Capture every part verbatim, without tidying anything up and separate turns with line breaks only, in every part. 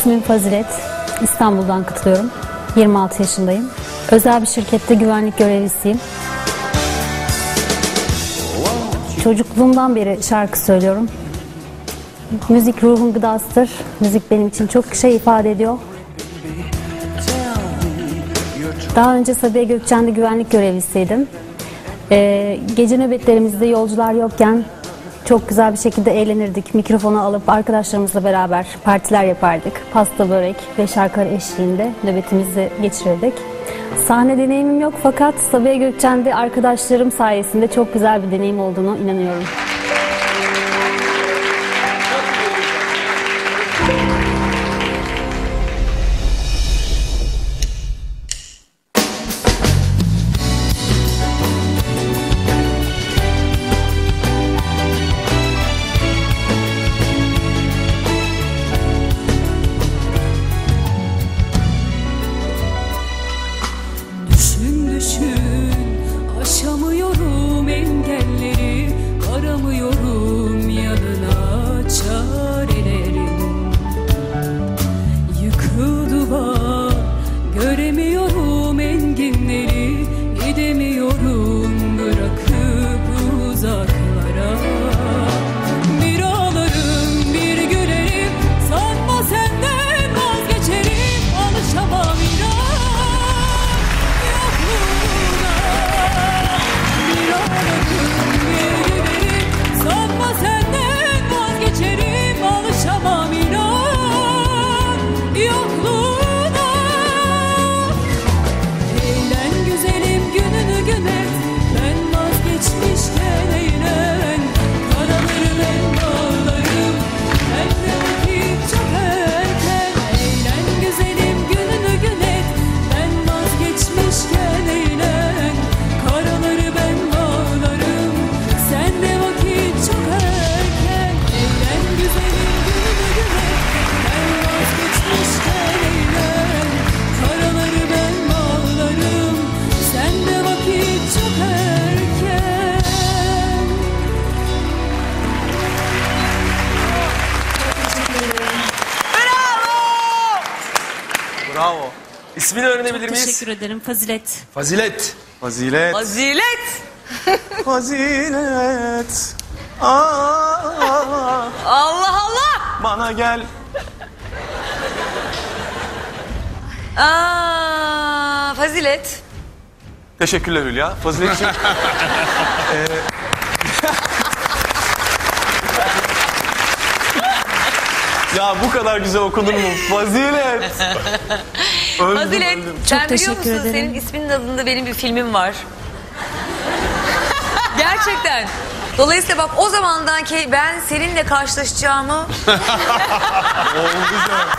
İsmim Fazilet. İstanbul'dan katılıyorum. yirmi altı yaşındayım. Özel bir şirkette güvenlik görevlisiyim. Çocukluğumdan beri şarkı söylüyorum. Müzik ruhun gıdasıdır. Müzik benim için çok şey ifade ediyor. Daha önce Sabiha Gökçen'de güvenlik görevlisiydim. Ee, gece nöbetlerimizde yolcular yokken çok güzel bir şekilde eğlenirdik. Mikrofonu alıp arkadaşlarımızla beraber partiler yapardık. Pasta, börek ve şarkılar eşliğinde nöbetimizi geçirirdik. Sahne deneyimim yok fakat Sabiha Gökçen'de arkadaşlarım sayesinde çok güzel bir deneyim olduğunu inanıyorum.
Aşamıyorum engelleri, aramıyorum yanına çarelerim. Yıkıl duvar, göremiyorum enginleri, gidemiyorum bırakıp uzaklara. Bir ağlarım, bir gülerim, sanma senden vazgeçerim, alışamam inan. Sanma senden vazgeçerim, alışamam inan yokluğuna. Eğlen güzelim gününü gün et, ben vazgeçmişken eğlen. Karaları ben bağlarım, ben de vakit çok erken. Eğlen güzelim gününü gün et, ben vazgeçmişken eğlen. Karaları ben bağlarım, sen de vakit çok erken. Eğlen güzelim gününü gün et, ben vazgeçmişken eğlen. Karaları ben bağlarım, sen de vakit çok erken.
Bravo. İsmini öğrenebilir miyiz?
Teşekkür ederim. Fazilet.
Fazilet. Fazilet.
Fazilet.
Fazilet. Aa,
Allah Allah.
bana gel.
Aa, Fazilet.
Teşekkürler Hülya. Faziletciğim. ee, ya bu kadar güzel okunur mu? Fazilet. Öldüm,
Fazilet.
öldüm.
Sen
Çok
biliyor
teşekkür
musun
ederim.
senin isminin adında benim bir filmim var. Gerçekten. Dolayısıyla bak o zamandan ki ben seninle karşılaşacağımı
Oldu canım.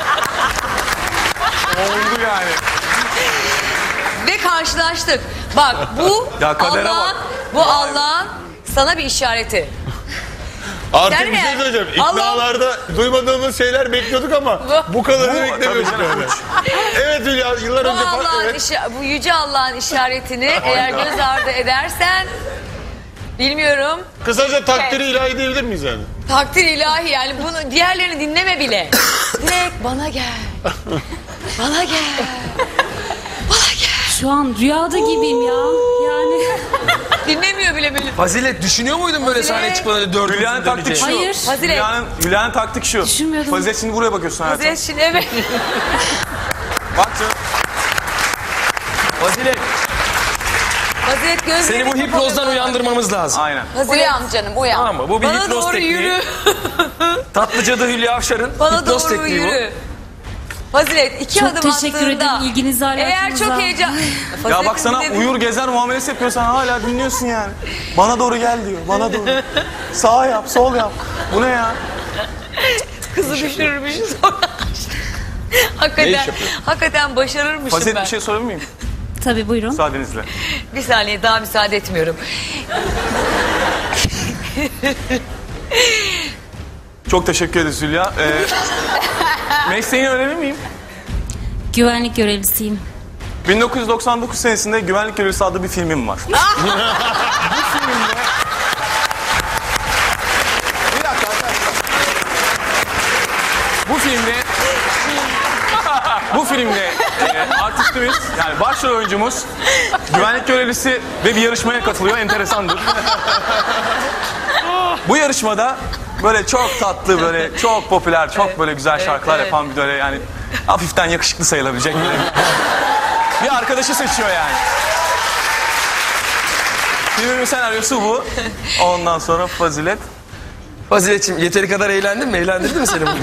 Oldu yani.
ve karşılaştık. Bak bu
Ya kadere
Allah'ın
bak.
bu Allah'ın sana bir işareti.
Artık
Yani
bir şey
ne?
söyleyeceğim.
Allah-
İknalarda duymadığımız şeyler bekliyorduk ama bu kadarını
Bu,
beklemiyorduk
tabii canım.
yani. Evet Hülya, yıllar
Bu
önce fark
Allah'ın
evet.
işa- bu yüce Allah'ın işaretini eğer göz ardı edersen bilmiyorum.
Kısaca takdiri ilahi diyebilir miyiz yani?
Takdir ilahi yani bunu diğerlerini dinleme bile. Direkt bana gel. Bana gel. Bana gel.
Şu an rüyada gibiyim ya. Yani
Dinlemiyor bile beni.
Fazilet düşünüyor muydun böyle
Fazilet.
sahneye çıkmadan dördüncü
Hülya'nın taktik şu.
döneceği?
hayır.
Fazilet.
Hülya'nın, Hülya'nın taktik şu.
Düşünmüyordum.
Fazilet şimdi buraya bakıyorsun hayatım.
Fazilet şimdi evet.
Bak canım.
Fazilet
Fazilet gözlerini
seni bu
kapalı
hipnozdan
bak.
uyandırmamız lazım.
Aynen.
Fazilet.
Uyan canım uyan.
Tamam mı? Bu bir
Bana
hipnoz
doğru
tekniği.
yürü.
Tatlı cadı Hülya Avşar'ın
Bana
hipnoz
doğru
tekniği
yürü. Fazilet iki
Çok
adım
teşekkür
attığında
ederim ilginize,
eğer
alakanıza.
çok heyecan...
Ya
Fazilet'in
bak sana
dinlediği-
uyur gezer muamelesi yapıyor, sen hala dinliyorsun yani. Bana doğru gel diyor, bana doğru. Sağ yap, sol yap. Bu ne ya?
Kızı düşürürmüş sonra. hakikaten, hakikaten başarırmışım
Fazilet
ben.
bir şey sorabilir miyim?
Tabii buyurun.
Müsaadenizle.
Bir saniye daha müsaade etmiyorum.
Çok teşekkür ederiz Hülya. Ee, mesleğini öğrenir miyim?
Güvenlik görevlisiyim.
bin dokuz yüz doksan dokuz senesinde Güvenlik Görevlisi adlı bir filmim var. Bu filmde... Bir dakika arkadaşlar. Bu filmde filmde e, artistimiz, yani başrol oyuncumuz, güvenlik görevlisi ve bir yarışmaya katılıyor. Enteresandır. Bu yarışmada böyle çok tatlı, böyle çok popüler, çok böyle güzel şarkılar
evet.
yapan bir böyle yani hafiften yakışıklı sayılabilecek böyle bir arkadaşı seçiyor yani. Filmin senaryosu bu. Ondan sonra Fazilet.
Faziletciğim yeteri kadar eğlendin mi? Eğlendirdi mi seni bunu?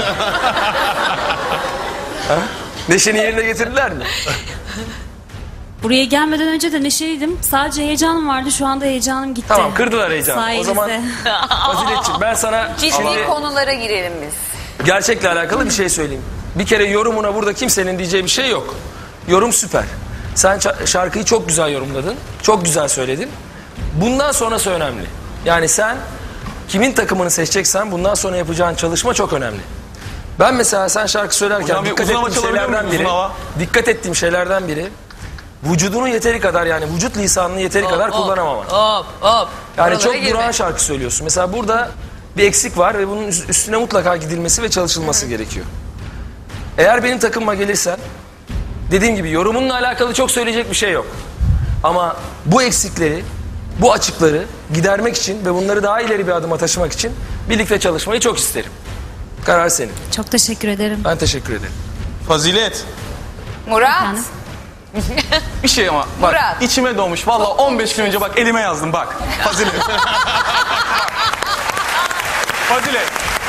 Ha? Neşeni yerine getirdiler mi?
Buraya gelmeden önce de neşeliydim. Sadece heyecanım vardı. Şu anda heyecanım gitti.
Tamam, kırdılar heyecanı.
Sayenizde.
O zaman Faziletciğim ben sana
Ciddi
şimdi
konulara girelim biz.
gerçekle alakalı bir şey söyleyeyim. Bir kere yorumuna burada kimsenin diyeceği bir şey yok. Yorum süper. Sen ça- şarkıyı çok güzel yorumladın. Çok güzel söyledin. Bundan sonrası önemli. Yani sen kimin takımını seçeceksen bundan sonra yapacağın çalışma çok önemli. Ben mesela sen şarkı söylerken
Hocam bir
dikkat
uzun hava
ettiğim
çalabiliyor
şeylerden
muyum?
biri,
Uzun hava.
dikkat ettiğim şeylerden biri vücudunu yeteri kadar yani vücut lisanını yeteri kadar kullanamaman.
Hop hop.
Yani
Oralara
çok
girme.
durağan şarkı söylüyorsun. Mesela burada bir eksik var ve bunun üst- üstüne mutlaka gidilmesi ve çalışılması gerekiyor. Eğer benim takımıma gelirsen dediğim gibi yorumunla alakalı çok söyleyecek bir şey yok. Ama bu eksikleri, bu açıkları gidermek için ve bunları daha ileri bir adıma taşımak için birlikte çalışmayı çok isterim. Karar senin.
Çok teşekkür ederim.
Ben teşekkür ederim.
Fazilet.
Murat.
Efendim?
Bir şey ama bak
Murat.
içime doğmuş. Vallahi on beş gün önce bak elime yazdım bak. Fazilet. Fazilet.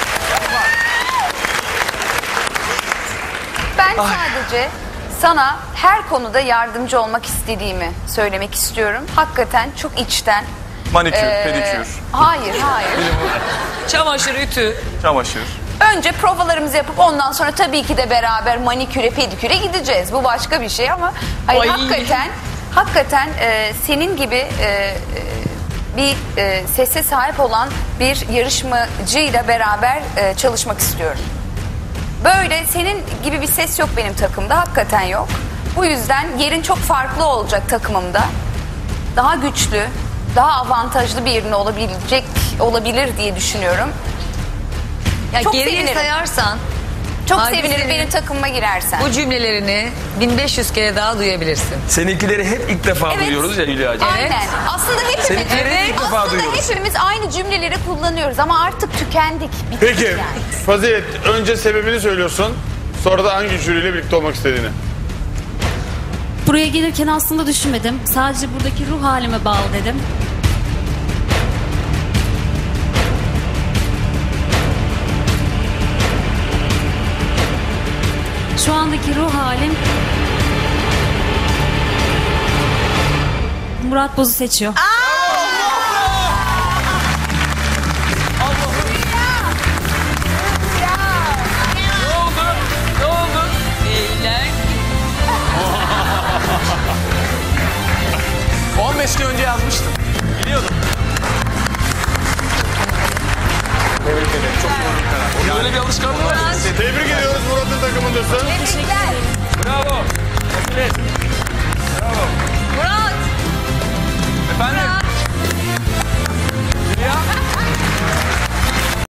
Ben sadece sana her konuda yardımcı olmak istediğimi söylemek istiyorum. Hakikaten çok içten.
Manikür,
Ee,
pedikür,
Hayır, hayır.
Çamaşır, ütü.
çamaşır.
Önce provalarımızı yapıp ondan sonra tabii ki de beraber maniküre, pediküre gideceğiz. Bu başka bir şey ama hayır,
Ay.
hakikaten hakikaten e, senin gibi e, e, bir e, sese sahip olan bir yarışmacıyla beraber e, çalışmak istiyorum. Böyle senin gibi bir ses yok benim takımda, hakikaten yok. Bu yüzden yerin çok farklı olacak takımımda. Daha güçlü, daha avantajlı bir yerin olabilecek olabilir diye düşünüyorum.
Ya
Çok
geriye
sevinirim.
sayarsan
Çok
Hadi
sevinirim
senin.
benim takımıma girersen.
bu cümlelerini bin beş yüz kere daha duyabilirsin.
Seninkileri hep ilk defa
Evet.
duyuyoruz ya Hülya'cığım.
Aynen. Aslında hepimiz,
Seninkileri
Evet.
ilk defa
aslında
duyuyoruz.
hepimiz aynı cümleleri kullanıyoruz ama artık tükendik. bittik
Peki
yani.
Fazilet önce sebebini söylüyorsun. Sonra da hangi jüriyle birlikte olmak istediğini.
Buraya gelirken aslında düşünmedim. Sadece buradaki ruh halime bağlı dedim. Şu andaki ruh halim Murat Boz'u seçiyor.
Ne oldu?
Beyler.
on beş gün önce yazmıştım. Biliyordum. Tebrik ederim. Çok doğru bir karar.
Onun öyle bir alışkanlığı var.
Tebrik ediyoruz, Murat'ın takımındasın.
Tebrikler.
Bravo. Evet.
Murat.
Efendim?